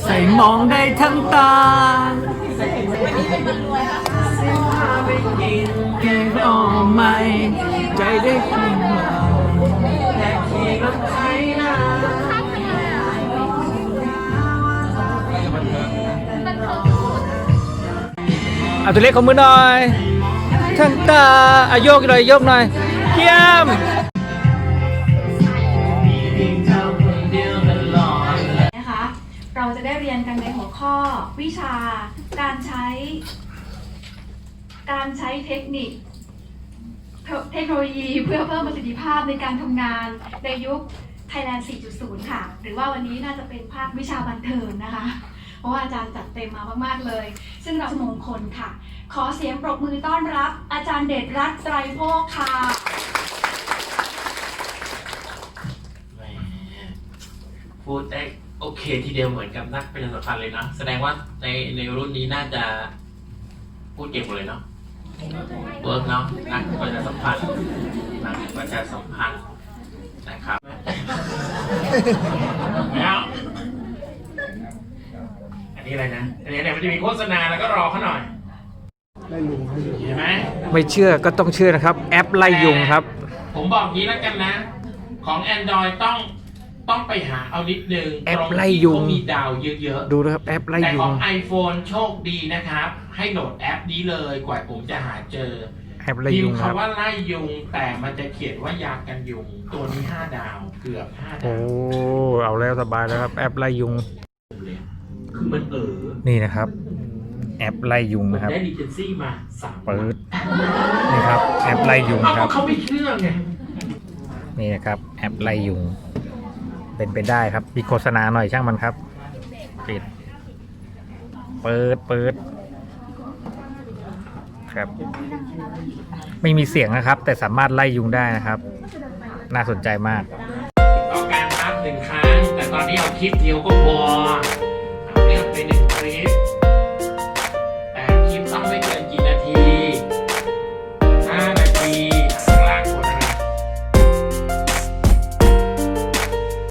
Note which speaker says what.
Speaker 1: ใส่มองได้ทั้งตาไปกินแกงอ่อมไม่ใจได้ขึ้นมาแต่ขี่รถไถนาเอาตัวเล็กของมือหน่อยทั้งตาอาโยกหน่อยโยกหน่อยเยี่ยม
Speaker 2: นะคะเราจะได้เรียนกันในหัวข้อวิชาการใช้เทคโนโลยีเพื่อเพิ่มประสิทธิภาพในการทำงานในยุค Thailand 4.0 ค่ะหรือว่าวันนี้น่าจะเป็นภาควิชาบันเทิงนะคะเพราะว่าอาจารย์จัดเต็มมามากๆเลยซึ่งเรามงคลค่ะขอเสียงปรบมือต้อนรับอาจารย์เดชรัตน์ไตรโภคค่ะ
Speaker 3: พูดได้โอเคทีเดียวเหมือนกับนักประชาสัมพันธ์เลยนะแสดงว่าในรุ่นนี้น่าจะพูดเก่งหมดเลยเนาะเวิร์กเนาะนักประชาสัมพันธ์นะครับแล้วอันนี้อะไรนะอันนี้มันจะมีโฆษณาแล้วก็รอเขาหน่อยเห็นไหม
Speaker 1: ไม่เชื่อก็ต้องเชื่อนะครับแอปไล่ยุงครับ
Speaker 3: ผมบอกงี้แล้วกันนะของ Android ต้องไปหาเอานิดนึง
Speaker 1: แอปไล่ยุง
Speaker 3: มีดาวเยอะๆ
Speaker 1: ดูนะครับแอปไล่
Speaker 3: แต่
Speaker 1: ยุ
Speaker 3: ของ ง iPhone โชคดีนะครับให้โหลดแอปนี้เลยกว่าผมจะหาเจอ
Speaker 1: แอปไล่
Speaker 3: พิ
Speaker 1: ยุ
Speaker 3: ม
Speaker 1: ง
Speaker 3: พ์
Speaker 1: ครับ
Speaker 3: คำว่าไล่ยุงแต่มันจะเขียนว่ายากันยุงตัวนี้5 ดาวเกือบ5
Speaker 1: โอ้
Speaker 3: ดาว
Speaker 1: เอาแล้วสบายแล้วครับแอปไล่ยุง
Speaker 3: คือมัน
Speaker 1: นี่นะครับแอปไล่ยุงนะครับ
Speaker 3: ได้ดีเจนซี่มา3
Speaker 1: เปิดนี่ครับแอปไล่ยุงครับ
Speaker 3: เขาไม่เชื่อไง
Speaker 1: นี่นะครับแอปไล่ยุงเป็นไปได้ครับมีโฆษณาหน่อยช่างมันครับปิดเปิดครับไม่มีเสียงนะครับแต่สามารถไล่ยุงได้นะครับน่าสนใจมาก
Speaker 3: ต้องการครับ1 ครั้งแต่ตอนนี้เอาคลิปเดียวก็พอ